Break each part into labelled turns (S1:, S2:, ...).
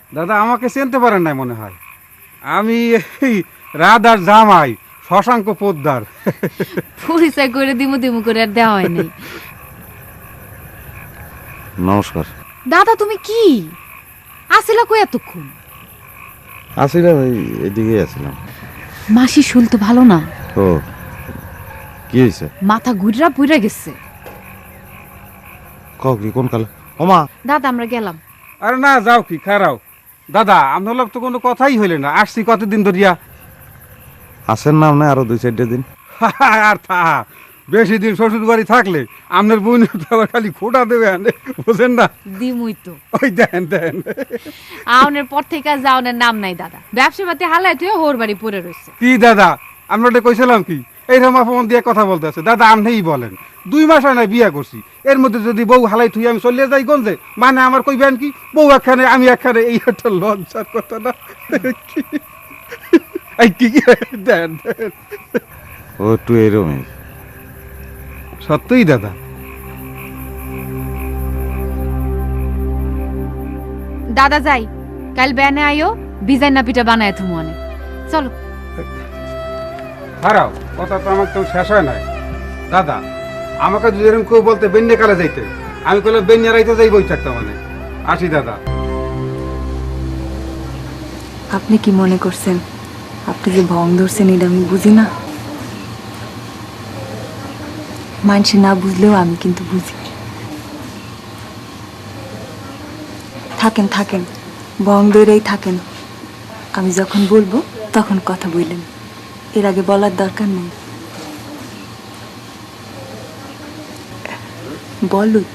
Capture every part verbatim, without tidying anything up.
S1: দাদা আমাকে চিনতে পারেন নাই মনে হয়। আমি এই রাধার জামাই শশাঙ্ক পোদ্দার।
S2: পরিচয় করে দিমু দিমু করে আর দেওয়া হয়নি।
S3: নমস্কার।
S2: দাদা তুমি কি আসিলা কই এতক্ষণ?
S3: আসিলাম এই এদিকে আসিলাম।
S2: মাসি শুল তো ভালো না।
S3: ও কি হয়েছে?
S2: মাথা ঘুরা পুইরা গেছে।
S3: ক কি কোন কালে? ওমা
S2: দাদা আমরা গেলাম।
S1: আরে না যাও কি খারাও দাদা, আপনার লোক তো কোনো কথাই হইলে না। আসছি কতদিন ধরিয়া।
S3: আসেন না আপনি আরো দুই চারটে দিন?
S1: আর থা বেশি দিন শ্বশুর বাড়ি থাকলে আপনার বোন খালি খোটা দেবে আনে, বুঝেন না?
S2: দিমুই তো।
S1: ওই দেন দেন
S2: আউনের পর থেকে যাওনের নাম নাই দাদা। ব্যবসা পাতি হালাই তুই হোর বাড়ি পড়ে রয়েছে।
S1: কি দাদা আমরা কইছিলাম কি এইরকম অপমান দিয়ে কথা বলতে আছে? দাদা আপনিই বলেন, দুই মাস হয় না বিয়া করছি, এর মধ্যে যদি বউ হালাই থুই আমি চলিয়ে যাই গঞ্জে, মানে আমার কইবেন কি বউ একখানে আমি একখানে, এই একটা লজ্জার কথা না? এই কি দেন দেন।
S3: ও একটু এরমই।
S1: সত্যই দাদা।
S2: দাদা যাই, কাল ব্যানে আইও, বিজাই না পিঠা বানায় তুমি অনেক। চলো
S1: হারাও কথা তো আমার তো শেষ হয় নাই। দাদা আমাকে যদি এরকম কেউ বলতে বেন্যা কালে যাইতে, আমি কইলাম বেন্যা রাইতে যাই বই থাকতাম। মানে আসি দাদা।
S4: আপনি কি মনে করছেন আপনি যে ভং ধরছেন এটা আমি বুঝি না? মানুষ না বুঝলেও আমি কিন্তু বুঝি। থাকেন থাকেন ভং ধরেই থাকেন, আমি যখন বলবো তখন কথা বললেন, এর আগে বলার দরকার নেই। বলুত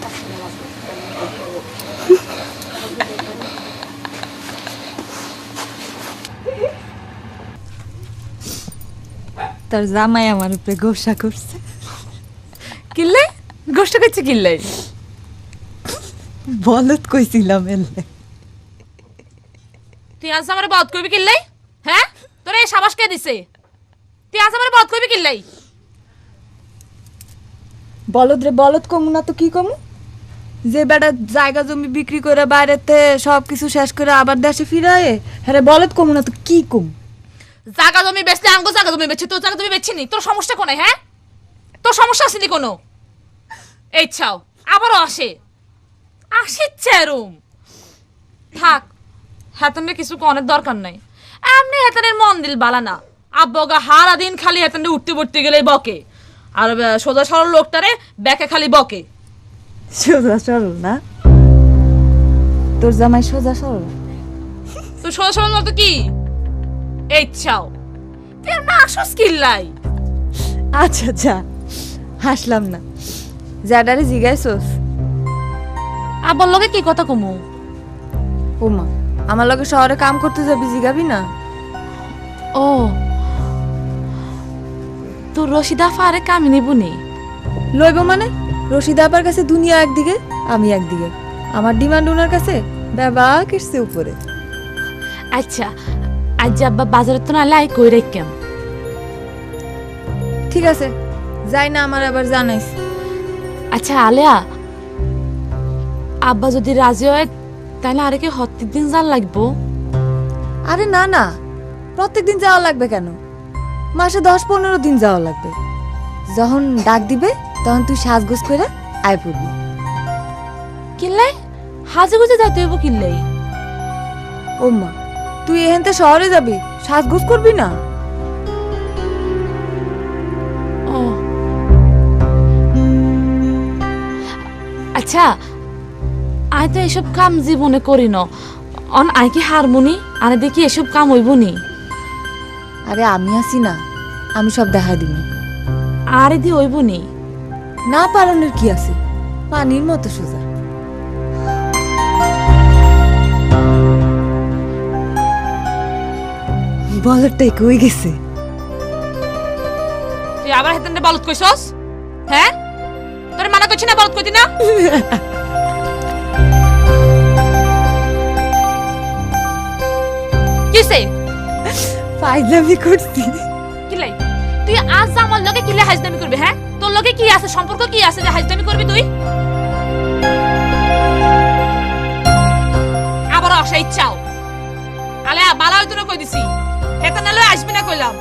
S4: তার জামাই আমার উপরে গোসা করছে।
S5: কিল্লে গোষ্ঠ করছে কিল্লে?
S4: বলত কইছিলাম এলে।
S5: তুই আজ আমার বধ করবি কিল্লাই? হ্যাঁ তোর এই সাবাস কে দিছে? তুই আজ আমার বধ করবি কিল্লাই?
S4: বলদ রে বলদ কমু না তো কি কমু? যে বেটা জায়গা জমি বিক্রি করে বাইরেতে সব কিছু শেষ করে আবার দেশে ফিরায়, হ্যাঁ বলদ কমু না তো কি কম?
S5: জায়গা জমি বেচলে আঙ্গো জায়গা জমি বেচছি, তোর জায়গা জমি বেচছি নি। তোর সমস্যা কোনে? হ্যাঁ তোর সমস্যা আসেনি কোনো? এই ছাও আবারও আসে আসে চেরুম। থাক হেতনে কিছু কনের দরকার নাই। এমনি হেতনের মন দিল বালা না। আব্বগা হারা দিন খালি হেতনে উঠতে পড়তে গেলে বকে, আর সোজা সরল লোকটারে ব্যাকে খালি বকে।
S4: সোজা সরল না? তোর জামাই সোজা সরল?
S5: তো সোজা সরল মতো কি? এই ছাও তুই এমনি আসস কিল্লাই?
S4: আচ্ছা আচ্ছা হাসলাম না, যাডারে জিগাইছস?
S5: আব্বার লগে কি কথা কমু?
S4: ওমা আমার লগে শহরে কাম করতে যাবি, জিগাবি না?
S5: ও তোর রশিদা ফারে কামি নিবুনি?
S4: লইব মানে? রশিদ আপার কাছে দুনিয়া একদিকে, আমি একদিকে। আমার ডিমান্ড ওনার কাছে বাবা কিসছে উপরে।
S5: আচ্ছা আজ আব্বা বাজারে তো না লাই কই রেখেম।
S4: ঠিক আছে যাই না, আমার আবার জানাইস।
S5: আচ্ছা আলেয়া, আব্বা যদি রাজি হয় তাহলে আরে কি হত্তির দিন যান লাগবো?
S4: আরে না না, প্রত্যেক দিন যাওয়া লাগবে কেন? মাসে দশ পনেরো দিন যাওয়া লাগবে। যখন ডাক দিবে তখন তুই সাজগোজ করে আয় পড়বি।
S5: কিল্লাই হাজে গুজে যাইতে হইব কিল্লাই?
S4: ওম্মা তুই এখানতে শহরে যাবি, সাজগোজ করবি না?
S5: ও আচ্ছা আই তো এসব কাম জীবনে করি ন, অন আই কি হারমোনি আনে দেখি এসব কাম হইব নি?
S4: আরে আমি আছি না, আমি সব দেখা দিবি।
S5: আরে দি হইব নি?
S4: না পালনের কি আছে, পানির মতো সোজা। বলটাই কই গেছে?
S5: তুই আবার হেতেন বলত কইছস? হ্যাঁ তোরে মানা করছি না বলত কইতি না? কিসে
S4: ফাইজলামি করছি।
S5: কিলাই তুই আজ আমার লগে কিলে হাজদামি করবি? হ্যাঁ তোর লগে কি আছে, সম্পর্ক কি আছে যে হাজদামি করবি তুই? আবার আসা ইচ্ছাও বালা হইতো না কই দিছি হেতা নালে আসবি না কইলাম